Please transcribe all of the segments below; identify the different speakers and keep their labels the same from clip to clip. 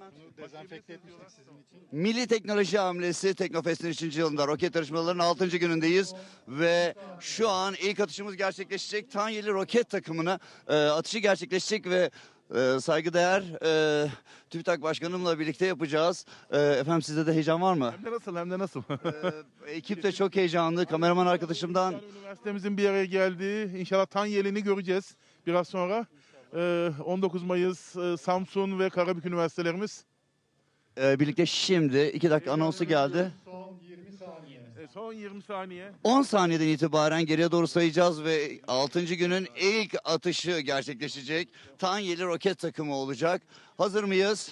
Speaker 1: Dezenfekte etmiştik sizin için.
Speaker 2: Milli Teknoloji Hamlesi Teknofest'in 3. yılında roket yarışmalarının 6. günündeyiz. Ve şu an ilk atışımız gerçekleşecek. Tanyeli roket takımına atışı gerçekleşecek ve saygıdeğer TÜBİTAK Başkanımla birlikte yapacağız. Efendim sizde de heyecan var mı?
Speaker 3: Hem de nasıl hem de nasıl.
Speaker 2: Ekip de çok heyecanlı. Kameraman arkadaşımdan
Speaker 3: Yani üniversitemizin bir araya geldiği inşallah Tanyeli'ni göreceğiz biraz sonra. 19 Mayıs Samsun ve Karabük üniversitelerimiz.
Speaker 2: birlikte şimdi 2 dakika anonsu geldi.
Speaker 1: Son 20 saniye.
Speaker 3: Son 20 saniye.
Speaker 2: 10 saniyeden itibaren geriye doğru sayacağız ve 6. günün ilk atışı gerçekleşecek. Tanyeli roket takımı olacak. Hazır mıyız?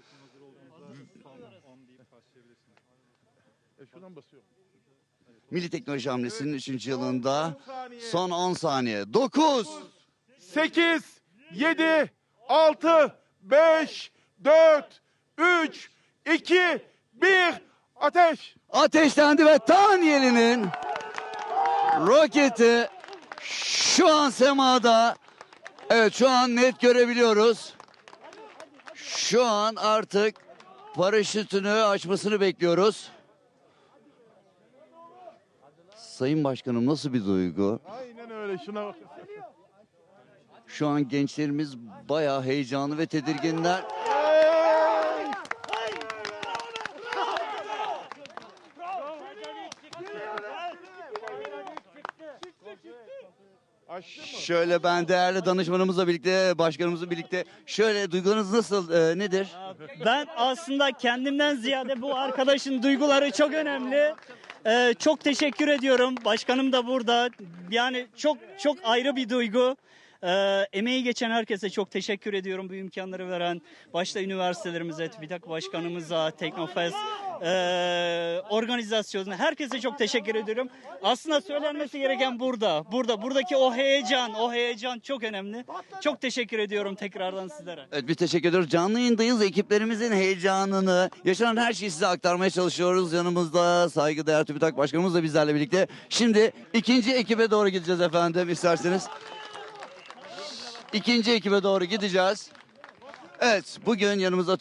Speaker 3: Şuradan basıyorum.
Speaker 2: Milli Teknoloji Hamlesi'nin 3. yılında son 10 saniye. 9,
Speaker 3: 8, 7, 6, 5, 4, 3, 2, 1, ateş!
Speaker 2: ateşlendi ve Tanyeli'nin roketi şu an semada. Evet, şu an net görebiliyoruz. Şu an artık paraşütünü açmasını bekliyoruz. Sayın Başkanım, nasıl bir duygu?
Speaker 3: Aynen öyle, şuna bak.
Speaker 2: Şu an gençlerimiz bayağı heyecanlı ve tedirginler. Şöyle ben değerli danışmanımızla birlikte, başkanımızla birlikte şöyle duygularınız nasıl, nedir?
Speaker 4: Ben aslında kendimden ziyade bu arkadaşın duyguları çok önemli. Çok teşekkür ediyorum. Başkanım da burada. Yani çok ayrı bir duygu. Emeği geçen herkese çok teşekkür ediyorum. Bu imkanları veren başta üniversitelerimize, TÜBİTAK Başkanımıza, Teknofest organizasyonuna herkese çok teşekkür ediyorum. Aslında söylenmesi gereken buradaki o heyecan çok önemli. Çok teşekkür ediyorum tekrardan sizlere.
Speaker 2: Evet, bir teşekkür ediyoruz. Canlı yayındayız. Ekiplerimizin heyecanını, yaşanan her şeyi size aktarmaya çalışıyoruz. Yanımızda saygıdeğer TÜBİTAK Başkanımız da bizlerle birlikte. Şimdi ikinci ekibe doğru gideceğiz efendim, isterseniz. İkinci ekibe doğru gideceğiz. Evet, bugün yanımızda